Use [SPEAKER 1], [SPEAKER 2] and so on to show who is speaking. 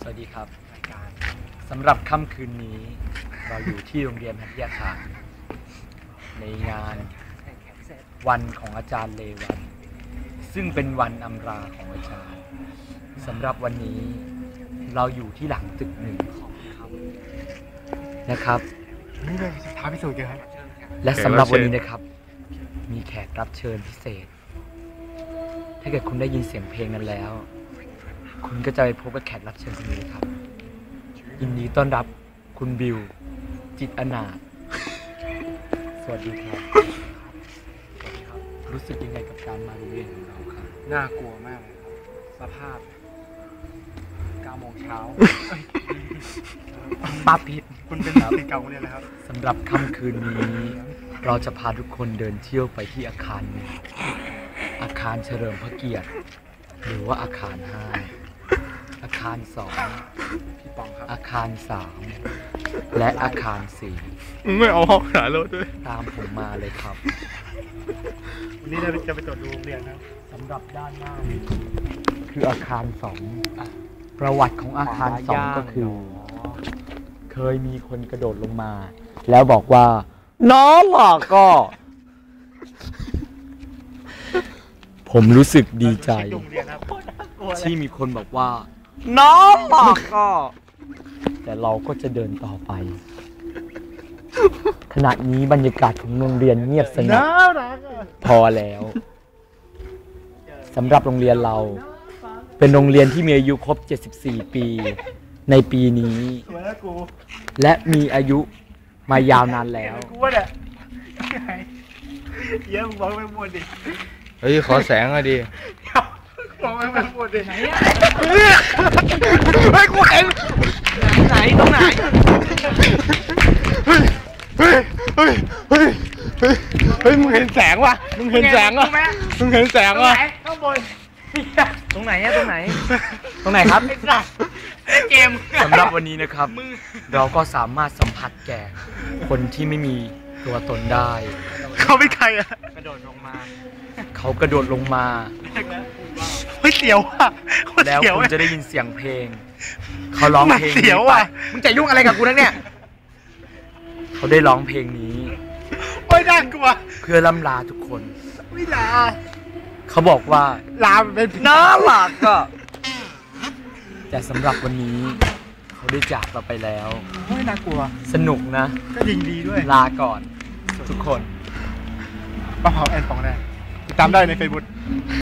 [SPEAKER 1] สวัสดีครับสำหรับค่ำคืนนี้เราอยู่ที่โรงเรียนหัทยาคารในงานวันของอาจารย์เลวัตซึ่งเป็นวันอำลาของอาจารย์สำหรับวันนี้เราอยู่ที่หลังตึกหนึ่งนะครับ
[SPEAKER 2] นี่เลยท้าพิสูจน์กันครับ
[SPEAKER 1] และสำหรับวันนี้นะครับมีแขกรับเชิญพิเศษถ้าเกิดคุณได้ยินเสียงเพลงนั้นแล้วคุณก็จะไปพบกับแขกรับเชิญคนนี้ครับยินดีต้อนรับคุณบิวจิตอนาถสวัสดีครับรู้สึกยังไงกับการมาโรงเรียนของเราครับ
[SPEAKER 2] น่ากลัวมากเลยสภาพ9 โมงเช้า
[SPEAKER 1] ป้าพิษ
[SPEAKER 2] คุณเป็นศิษย์เก่าเนี่ยนะครับ
[SPEAKER 1] สำหรับค่ำคืนนี้เราจะพาทุกคนเดินเที่ยวไปที่อาคารหนึ่งอาคารเฉลิมพระเกียรติหรือว่าอาคาร5อาคาร2
[SPEAKER 2] พี่ปองครับ
[SPEAKER 1] อาคาร3และอาคาร4
[SPEAKER 2] ไม่เอาห้องหารถด้วย
[SPEAKER 1] ตามผมมาเลยครับ
[SPEAKER 2] วันนี้เราจะไปตรวจดูโรงเรียนนะ
[SPEAKER 1] สำหรับด้านหน้านี้คืออาคาร2ประวัติของอาคาร2ก็คือเคยมีคนกระโดดลงมาแล้วบอกว่าน้องหลอกก็ผมรู้สึกดีใจที่มีคนบอกว่าน้องหลอกก็แต่เราก็จะเดินต่อไปขณะนี้บรรยากาศของโรงเรียนเงียบสงบพอแล้วสำหรับโรงเรียนเราเป็นโรงเรียนที่มีอายุครบ74 ปีในปีนี้และมีอายุมายาวนานแล้ว
[SPEAKER 2] เยอะมึงบอกไม่หมดดิ
[SPEAKER 3] เฮ้ยขอแสงหน่อยดิ
[SPEAKER 2] บอกไม่หมดดิไหน
[SPEAKER 1] เฮ้ยกูเห็นไหนตรงไหน
[SPEAKER 2] เฮ้ยมึงเห็นแสงวะมึงเห็นแสงวะมึงเห็นแสงวะ
[SPEAKER 1] ข้างบนตรงไหนอะตรงไหนครับเกมสำหรับวันนี้นะครับเราก็สามารถสัมผัสแก่คนที่ไม่มีตัวตนได้
[SPEAKER 2] เขาไม่ใครอะ
[SPEAKER 1] กระโดดลงมาเขากระโดดลงมา
[SPEAKER 2] เฮ้ยเสียวอะ
[SPEAKER 1] แล้วคุณจะได้ยินเสียงเพลงเขาร้องเพลงเสียวอะมึงจะยุ่งอะไรกับกูนักเนี่ยเขาได้ร้องเพลงนี้
[SPEAKER 2] โอ้ยน่ากลัว
[SPEAKER 1] เพื่อล่ำลาทุกคน
[SPEAKER 2] ไม่ลา
[SPEAKER 1] เขาบอกว่า
[SPEAKER 2] ลาเป็น
[SPEAKER 1] น่ารักก็แต่สำหรับวันนี้เขาได้จากเราไปแล้ว
[SPEAKER 2] ไม่น่ากลัว
[SPEAKER 1] สนุกนะ
[SPEAKER 2] ก็ยิงดีด้วย
[SPEAKER 1] ลาก่อนทุกคน
[SPEAKER 2] ป้าเผาแอนปองแน่ติดตามได้ใน Facebook